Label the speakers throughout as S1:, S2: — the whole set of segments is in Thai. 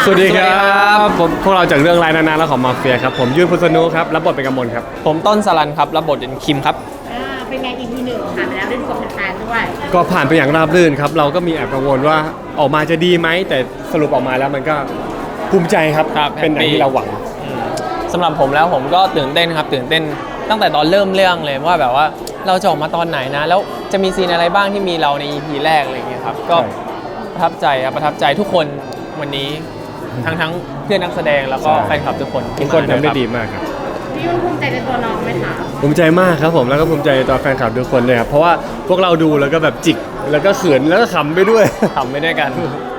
S1: สวัสดีครับพวกเราจากเรื่องรายนานๆแล้วของมาเฟียครับผมยื่นพุทธนุครับรับบทเป็นกำมลครับ
S2: ผมต้นสรันครับรับบทเป็นคิมครับ
S3: เป็นไง EP 1ผ่านไปแล้วได้ดูกับแฟนๆด้วย
S1: ก็ผ่านไปอย่างราบรื่นครับเราก็มีแอบกังวลว่าออกมาจะดีไหมแต่สรุปออกมาแล้วมันก็ภูมิใจครับเป็นอย่างที่เราหวัง
S2: สำหรับผมแล้วผมก็ตื่นเต้นครับตื่นเต้นตั้งแต่ตอนเริ่มเรื่องเลยว่าแบบว่าเราจะออกมาตอนไหนนะแล้วจะมีซีนอะไรบ้างที่มีเราใน EP แรกอะไรอย่างเงี้ยครับก็ประทับใจครับประทับใจทุกคนวันนี้ทั้งเพื่อนนักแสดงแล้วก็แฟนคลับทุกคน
S1: ทำได้ดีมากครับ
S3: พี่ยุ่นภูมิใจในตัวน้องไหมคะ
S1: ภูมิใจมากครับผมแล้วก็ภูมิใจในตัวแฟนคลับทุกคนเลยครับเพราะว่าพวกเราดูแล้วก็แบบจิกแล้วก็เขินแล้วก็ขำไปด้วย
S2: ขำไปด้วยกัน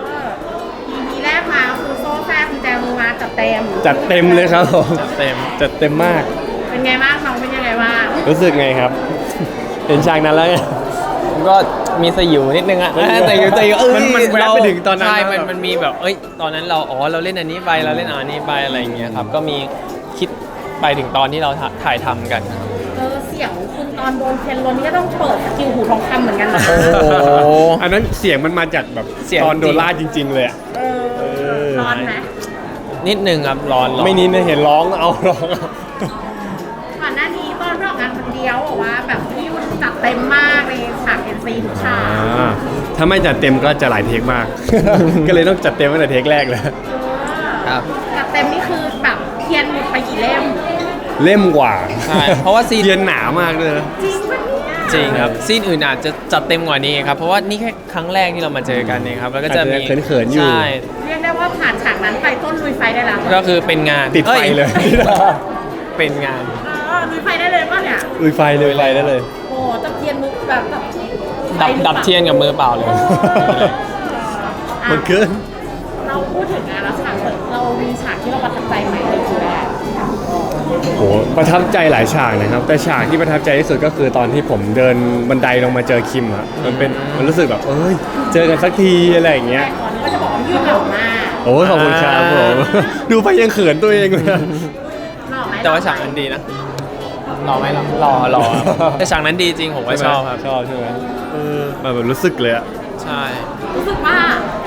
S3: EP แรกมาคือโซ่แซ่บคุณแจมือมาจัดเต็ม
S1: เลยครับผม
S2: จัด
S1: เต็มมาก
S3: เป็นไงบ้างน้องเป็นยังไงบ้าง
S1: รู้สึกไงครับเห็นฉากนั้นแล้ว
S2: ก็มีสยิวนิดนึงอะแต่อยู่
S1: มันแวะไปถึงตอนนั้น
S2: ใช่มันมีแบบตอนนั้นเราเล่นอันนี้ไปเราเล่นอันนี้ไปอะไรอย่างเงี้ยครับก็มีคิดไปถึงตอนที่เราถ่ายทำกัน
S3: เสียงคุณตอนโดนเคนโรนี่ก็ต้องเปิดสกิลหูทองคำเหมือนกันนะ
S1: อันนั้นเสียงมันมาจากแบบตอนโดนล่าจริงๆเลย
S3: ร้อนไหม
S2: นิดนึงครับร้อน
S1: ไม่นิดนะเห็นร้องร้อง
S3: ก่อนหน้านี้ตอนรอกงานคนเดียวบอกว่าแบบพี่ยุ่นจัดเต็มมากในฉากNCทุกฉาก
S1: ถ้าไม่จัดเต็มก็จะหลายเทคมาก ก็เลยต้องจัดเต็มตั้งแต่เทคแรกเลย
S2: ครับ
S3: จัดเต็มนี่คือแบบเทียนหมดไปกี่เล่
S1: มกว่า
S2: ใช่เพราะว่าซีน
S1: เทียนหนามากเลย
S2: จริงครับซีนอื่นอาจจะจัดเต็มกว่านี้ครับเพราะว่านี่แค่ครั้งแรกที่เรามาเจอกันเองครับแล้วก็จะมี
S1: เขินๆอยู่
S3: เรียกได้ว่าผ่านฉากนั้นไปต้นลุยไฟได้แล้ว
S2: ก็คือเป็นงาน
S1: ติดไฟเลย
S2: เป็นงาน
S3: ลุยไฟได้เลยป่ะเนี่ย
S1: ลุยไฟได้เลย
S3: โอ้จับเทียนมือแบบ
S2: ดับเทียนกับมือเปล่าเลย
S1: มันเกิน
S3: เราพูดถึงงานแล้วฉากเรามีฉากที่เราประทับใจไหมเลยคือแรก
S1: โหประทับใจหลายฉากนะครับแต่ฉากที่ประทับใจที่สุดก็คือตอนที่ผมเดินบันไดลงมาเจอคิมอะมันรู้สึกแบบเจอกันสักทีอะไรอย่างเงี้ย
S3: ก็จะบอกว่ายืดหล่อมาก
S1: โอ้ขอบคุณครับผมดูไปยังเขินตัวเองเลย
S2: แต่ว่าฉากนั้นดีนะรอไหมรอแต่ฉากนั้นดีจริงผมก็ชอบครับ
S1: ชอบใช่ไหมแบบรู้สึกเลยอะ
S2: ใช่
S3: รู้สึกว่า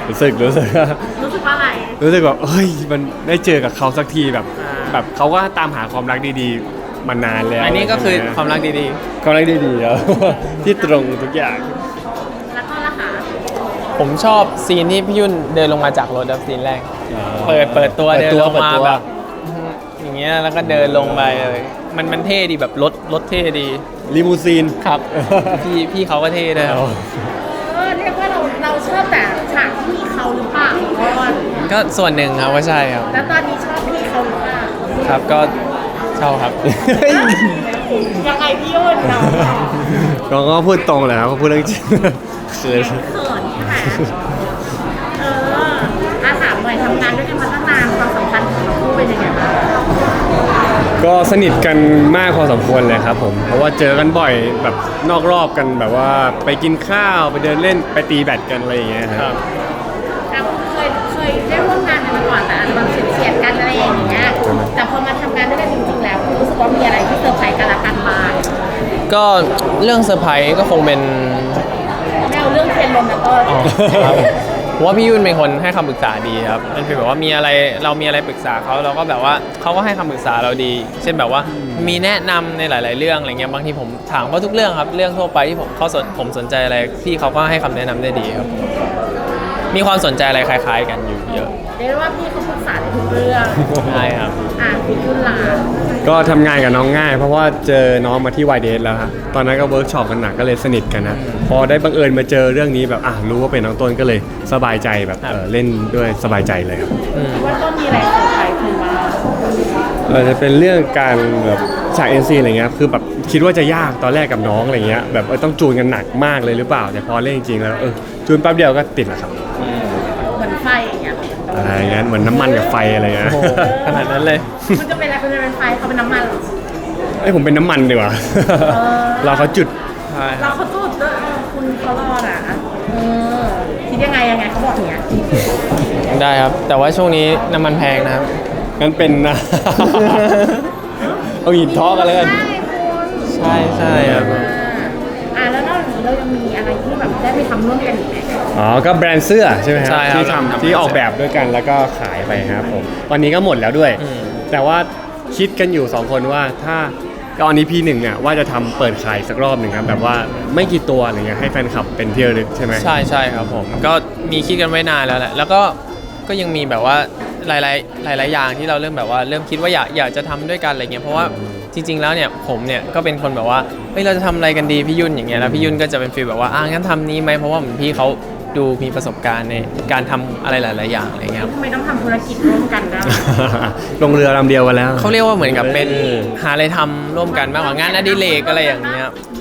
S3: อะไร
S1: รู้สึกแบบมันได้เจอกับเขาสักทีแบบเขาก็ตามหาความรักดีๆมานานแล้ว
S2: อันนี้ก็คือความรักดี
S1: ๆแล้วที่ตรงทุกอย่าง
S3: แล้วก็ล่ะคะ
S2: ผมชอบซีนที่พี่ยุ่นเดินลงมาจากรถแบบซีนแรกเปิดตัวเดินลงมาแบบอย่างเงี้ยแล้วก็เดินลงไปเลยมันเท่ดีแบบรถเท่ดี
S1: ลิมูซีน
S2: ครับพี่เขาก็เท่ด้วย
S3: เรียกว่าเราชอบแต่ฉากที่มีเขาหรือเปล่า
S2: ก็ส่วนหนึ่งครับว่าใช่ครับ
S3: แล้วตอนนี้ชอบพี่เขาหรือเปล่า
S2: ครับก็ชอบครับ
S3: ยังไงพี่ยุ่น
S1: เราก็พูดตรงเลยครับเขาพูดเรื่องจริง
S3: เขินใช่ไหมถามหน่อยทำงานด้วยกันมาตั้งนานความสัมพันธ์ของเราคู่เป็นยังไงบ้าง
S1: ก็สนิทกันมากพอสมควรเลยครับผมเพราะว่าเจอกันบ่อยแบบนอกรอบกันแบบว่าไปกินข้าวไปเดินเล่นไปตีแบดกันอะไรอย่างเงี้ยครับ
S3: เคยได้ร่วมงานกันมาก่อนแต่อาจจะแบบเฉียดกันอะไรอย่างเงี้ยแต่พอมาทำงานด้วยกันจริงๆแล้วรู้สึกว่ามีอะไรที่เซอร์ไพรส์กันละกันมา
S2: ก็เรื่องเซอร์ไพรส์ก็คงเป็น
S3: แนวเรื่องเทรนลมนะก็
S2: ผมว่าพี่ยุ่นเป็นคนให้คำปรึกษาดีครับมันเป็นแบบว่าเรามีอะไรปรึกษาเขาเราก็แบบว่าเขาก็ให้คำปรึกษาเราดีเช่นแบบว่ามีแนะนำในหลายๆเรื่องอะไรเงี้ยบางทีผมถามเขาทุกเรื่องครับเรื่องทั่วไปที่ผมสนใจอะไรพี่เขาก็ให้คำแนะนำได้ดีครับมีความสนใจอะไรคล้ายๆกันอยู่เยอะ
S3: เรียกว่าพี่เขาปรึกษาในทุกเรื่อง
S2: ใช่ครับ
S3: พี่ยุ่นล่ะ
S1: ก็ทำงานกับน้องง่ายเพราะว่าเจอน้องมาที่ YDS แล้วครับตอนนั้นก็เวิร์กช็อปกันหนักก็เลยสนิทกันนะพอได้บังเอิญมาเจอเรื่องนี้แบบรู้ว่าเป็นน้องต้นก็เลยสบายใจแบบเล่นด้วยสบายใจเลยครับ
S3: ว่าต้นมีอะไรเซอร์ไพรส์คุณบ้าง
S1: จะเป็นเรื่องการแบบฉาก NC อะไรเงี้ยคือแบบคิดว่าจะยากตอนแรกกับน้องอะไรเงี้ยแบบต้องจูนกันหนักมากเลยหรือเปล่าแต่พอเล่นจริงๆแล้วจูนแป๊บเดียวก็ติดแล้วครับ
S3: เหมือนไฟอย่างเงี้ย
S1: อะไรเงี้ยเหมือนน้ำมันกับไฟอะไรเงี้ย
S2: ขนาดนั้นเลย
S3: มันจะเป็นอะไรคุณจะเป็นไฟเขาเป็นน้ำมัน
S1: ผมเป็นน้ำมันดีกว่าเราเขาจุด
S3: เราเขาจุดด้วยคุณเขารอดคิดยังไงเขาบอกอย่างเงี้ย
S2: ได้ครับแต่ว่าช่วงนี้น้ำมันแพงนะครับ
S1: งั้นเป็นนะเอาหินท้อกันเลย
S2: ใช่ครับ
S3: แล้วนอกจากนี้เรายังมีอะไรที่แบบได้ไปทำร่วมกันอีกไหม
S1: ก็แบรนด์เสื้อใช่ไหมครับ
S2: ที่
S1: ออกแบบด้วยกันแล้วก็ขายไปครับผมตอนนี้ก็หมดแล้วด้วย แต่ว่าคิดกันอยู่2คนว่าถ้าตอนนี้พีหนึ่งเนี่ยว่าจะทำเปิดขายสักรอบหนึ่งครับแบบว่าไม่กี่ตัวอะไรเงี้ยให้แฟนคลับเป็นที่ระลึกใช่ไหม
S2: ใช่ครับผมก็มีคิดกันไว้นานแล้วแหละแล้วก็ยังมีแบบว่าหลายอย่างที่เราเริ่มแบบว่าเริ่มคิดว่าอยากจะทำด้วยกันอะไรเงี้ยเพราะว่าจริงๆแล้วเนี่ยผมเนี่ยก็เป็นคนแบบว่าเฮ้ยเราจะทำอะไรกันดีพี่ยุ่นอย่างเงี้ยแล้วพี่ยุ่นก็จะเป็นฟีลแบบว่างั้นทำนี้ไหมเพราะว่าเหมือนพี่เขาดูมีประสบการณ์ในการทำอะไรหลายๆอย่างอะไรเงี้ยครับ
S3: ทำไมต้องทำธุรกิจร่วมกันได้
S1: ลงเรือลำเดียวกันแล้ว
S2: เขาเรียกว่าเหมือนกับเป็นหาอะไรทำร่วมกันมากกว่างานอดิเรกอะไรอย่างเงี้ย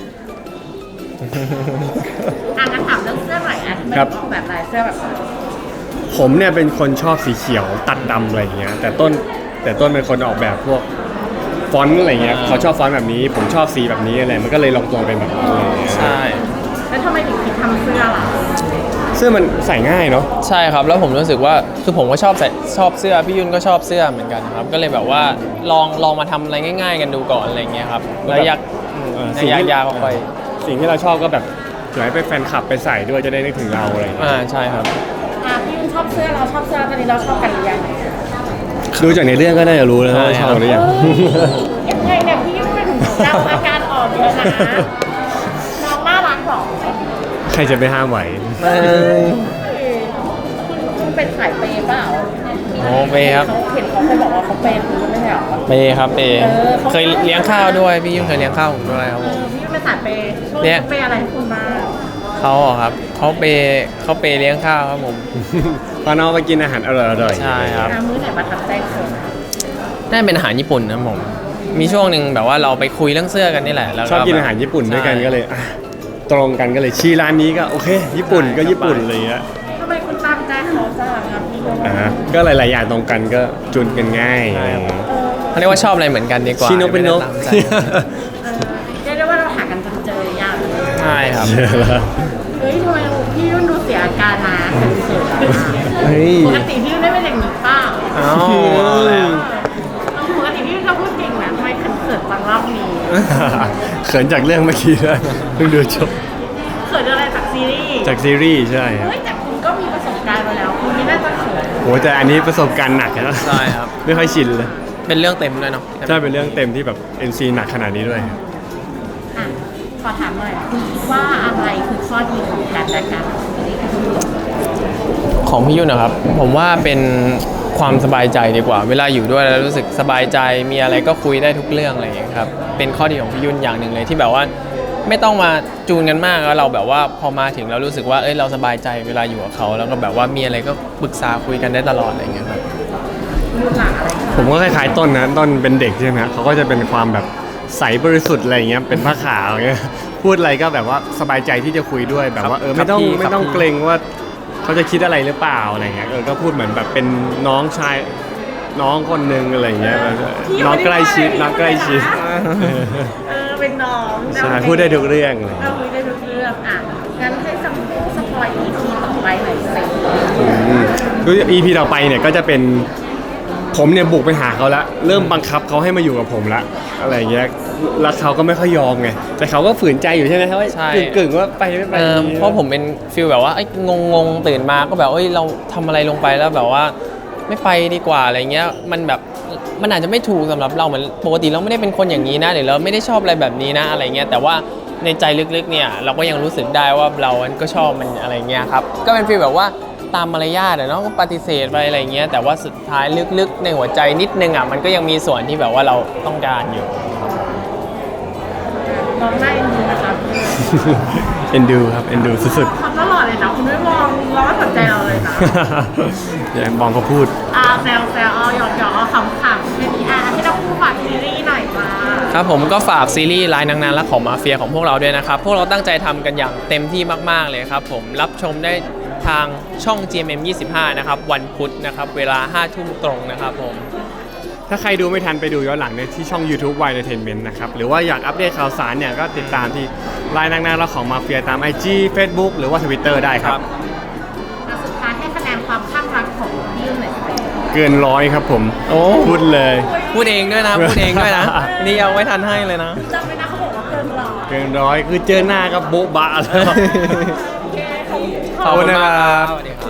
S3: งั้นถามเรื่องเสื้อหน่อยนะทำไม
S1: ครับ
S3: ออกแบบลายเสื้อแบบนั้น
S1: ผมเนี่ยเป็นคนชอบสีเขียวตัดดำอะไรอย่างเงี้ยแต่ต้นเป็นคนออกแบบพวกฟอนต์อะไรเงี้ยเขาชอบฟอนต์แบบนี้ผมชอบสีแบบนี้อะไรมันก็เลยลงตัวเป็นแบบนี้อะไรเงี้ย
S2: ใช่
S3: แล้วทำไมถึงคิดทำเสื้อล่ะ
S1: เสื้อมันใส่ง่ายเนาะ
S2: ใช่ครับแล้วผมรู้สึกว่าคือผมก็ชอบเสื้อพี่ยุ่นก็ชอบเสื้อเหมือนกันครับก็เลยแบบว่าลองมาทำอะไรง่าย ๆ กันดูก่อนอะไรเงี้ยครับแล้วอยากยากค่อย
S1: สิ่งที่เราชอบก็แบบเผื่อให้ไปแฟนคลับไปใส่ด้วยจะได้นึกถึงเราอะไรอย่างเงี้ย
S2: ใช่ครับ
S3: พี่ยุ่นชอบเสื้อเราชอบเสื้อตอนนี้เราชอบกันหรือยัง
S1: ดูจากในเรื่องก็น่าจะรู้แล้วว่าชอบหรือยัง
S3: ยังไงเนี่ยพี่ยุ่นถึงเราอาการออกเยอะนะน้องน่ารักหรอ
S1: ใครจะไปห้ามไหว
S3: คุณเป็นสายเปย์เปล่า
S2: โอ้เปย์ครับ
S3: เขาเห็นเขาเคยบอกว่าเขาเปย์คุณไม่ใช่หรอ
S2: เปย์ครับเปย์
S3: เขา
S2: เคยเลี้ยงข้าวด้วยพี่ยุ่นเคยเลี้ยงข้าวผมด้วยครับผม
S3: พี่ยุ่นเป็นสายเปย์ช่วง
S2: เนี่
S3: นี้
S2: ย
S3: เปย์อะไรให้คุณบ้าง
S2: เขาอะครับเขาเปย์เลี้ยงข้าวครับผม
S1: พาน้องไปกินอาหารอร่อยๆ
S2: ใช่ครับ
S3: มื้อไหนประทับใจสุด
S2: น่าเป็นอาหารญี่ปุ่นนะผมมีช่วงหนึ่งแบบว่าเราไปคุยเรื่องเสื้อกันนี่แหละแล้ว
S1: ชอบกินอาหารญี่ปุ่นด้วยกันก็เลยตรงกันก็เลยชี้ร้านนี้ก็โอเค ญี่ปุ่นก็ญี่ปุ่นอะไรเงี้ย
S3: ทำไมคุณตามใจเขาจังครับพี่ยุ่น
S1: ก็หลายๆอย่างตรงกันก็จุนกันง่ายอะไรอย่างเงี้ย
S2: เขาเรียกว่าชอบอะไรเหมือนกันดีกว่า
S1: ชิโนเป็นนก
S2: ไม่ได้ตามใจ
S3: เรียกได้ว่าเราหากันจนเจอยากเลย
S2: ใช่ครับ
S3: เฮ้ยทำไมพี่ยุ่นดูเสียอาการนะเขิน
S1: เฮ้ย
S3: ปกติพี่ยุ่นไม่เป็นอย่างนี้เปล่า
S2: อ้าวเอาแล้ว
S3: ปกติพี่ยุ่นก็พูดเก่งนะทำไมเขินจังรอบนี้
S1: เขินจากเรื่องเมื่อกี้แล้วเพิ่งดูจบ
S3: เขินอะไรจากซีรีส์
S1: จากซีรีส์ใช่ครับ
S3: เฮ้ยแต่คุณก็มีประสบการณ์มาแล้วคุณไม่น่าจะเขิน
S1: โหแต่อันนี้ประสบการณ์หนักนะ
S2: ใช่ครับ
S1: ไม่ค่อยชินเลย
S2: เป็นเรื่องเต็มด้วยเนาะ
S1: ใช่เป็นเรื่องเต็มที่แบบ NC หนักขนาดนี้ด้วย
S3: อ่ะขอถามหน่อยคุณคิดว่าอะไรคือข้อดีของการและกัน
S2: ของพี่ยุ่นนะครับ ผมว่าเป็นความสบายใจดีกว่า เวลาอยู่ด้วยแล้วรู้สึกสบายใจมีอะไรก็คุยได้ทุกเรื่องอะไรอย่างเงี้ยครับเป็นข้อดีของพี่ยุ่นอย่างหนึ่งเลยที่แบบว่าไม่ต้องมาจูนกันมากแล้วเราแบบว่าพอมาถึงเรารู้สึกว่าเราสบายใจเวลาอยู่กับเขาแล้วก็แบบว่ามีอะไรก็ปรึกษาคุยกันได้ตลอดอะไรอย่างเงี้ยครับ
S3: รุ่นหลังอะไร
S1: ผมก็คล้ายๆต้นนะต้นเป็นเด็กใช่ไหมฮะเขาก็จะเป็นความแบบใสบริสุทธิ์อะไรอย่างเงี้ยเป็นผ้าขาวอย่างเงี้ยพูดอะไรก็แบบว่าสบายใจที่จะคุยด้วยแบบว่าไม่ต้อง
S2: ครับพี่
S1: ไม่ต้องเกรงว่าเขาจะคิดอะไรหรือเปล่าอะไรเงี้ยก็พูดเหมือนแบบเป็นน้องชายน้องคนหนึงอะไรอย่างเงี้ยน้องใกล้ชิดน้องใกล้ชิด
S3: เป็นน้อง
S1: ใช่พูดได้ทุกเรื่องเลย
S3: เราคุยได้ทุกเรื่องอ่ะงั้นให้สัมภาษณ์สปอย EP ต่อไปหน่อยสิ
S1: คือ EP ต่อไปเนี่ยก็จะเป็นผมเนี่ยบุกไปหาเขาละเริ่มบังคับเขาให้มาอยู่กับผมละอะไรอย่างเงี้ยแล้วเขาก็ไม่ค่อยยอมไงแต่เขาก็ฝืนใจอยู่ใช่ไหมครับว่า
S2: ใช่
S1: กึ่งๆว่าไปไม่ไป
S2: เพราะผมเป็นฟิลแบบว่าไอ้งงตื่นมาก็แบบเราทำอะไรลงไปแล้วแบบว่าไม่ไปดีกว่าอะไรเงี้ยมันแบบมันอาจจะไม่ถูกสำหรับเราเหมือนปกติเราไม่ได้เป็นคนอย่างนี้นะหรือเราไม่ได้ชอบอะไรแบบนี้นะอะไรเงี้ยแต่ว่าในใจลึกๆเนี่ยเราก็ยังรู้สึกได้ว่าเราก็ชอบมันอะไรเงี้ยครับก็เป็นฟีลแบบว่าตามมารยาทเนาะก็ปฏิเสธไปอะไรเงี้ยแต่ว่าสุดท้ายลึกๆในหัวใจนิดนึงมันก็ยังมีส่วนที่แบบว่าเราต้องการอยู่
S3: มองหน้าเอ็นดูนะคะ
S1: เอ็นดูครับเอ็นดูสุด
S3: เขาตลอดเลยนะคุณไม่มองเราไม่สนใจเราเลยนะ
S1: ๆอย่ามองเขาพูด
S3: แซวหยอกขำๆให้พี่ให้เราคู่ฝากซีรีส์หน่อยจ้า
S2: ครับผมก็ฝากซีรีส์ลายนางนานและของมาเฟียของพวกเราด้วยนะครับ พวกเราตั้งใจทำกันอย่างเต็มที่มากๆเลยครับผมรับชมได้ทางช่อง GMM 25 นะครับ วันพุธนะครับ เวลา 5 ทุ่มตรงนะครับผม
S1: ถ้าใครดูไม่ทันไปดูย้อนหลังในที่ช่อง YouTube Y Entertainment นะครับ หรือว่าอยากอัปเดตข่าวสารเนี่ยก็ติดตามที่ไลน์นางๆและของมาเฟียตาม IG Facebook หรือว่า Twitter ได้ครับ
S3: สุดท้ายให้คะแนนความข้างรักของพี่ยุ่นหน่อยสิ
S1: เกินร้อยครับผม
S2: โอ้
S1: พูดเลย
S2: พูดเองด้วยนะ พูดเองด้วยนะ นี่ยังไม่ทันให้เลยนะ
S3: จำไว้นะเขาบอกว่าเกินร้อย
S1: เกินร้อยคือเจอหน้าก็โบ๊ะบะแล้ว
S3: โอเคขอบคุณ
S2: ขอบคุณ
S1: นะ
S2: มาก
S1: ค
S2: ค
S1: รั
S2: รับ บสวัสดีครับ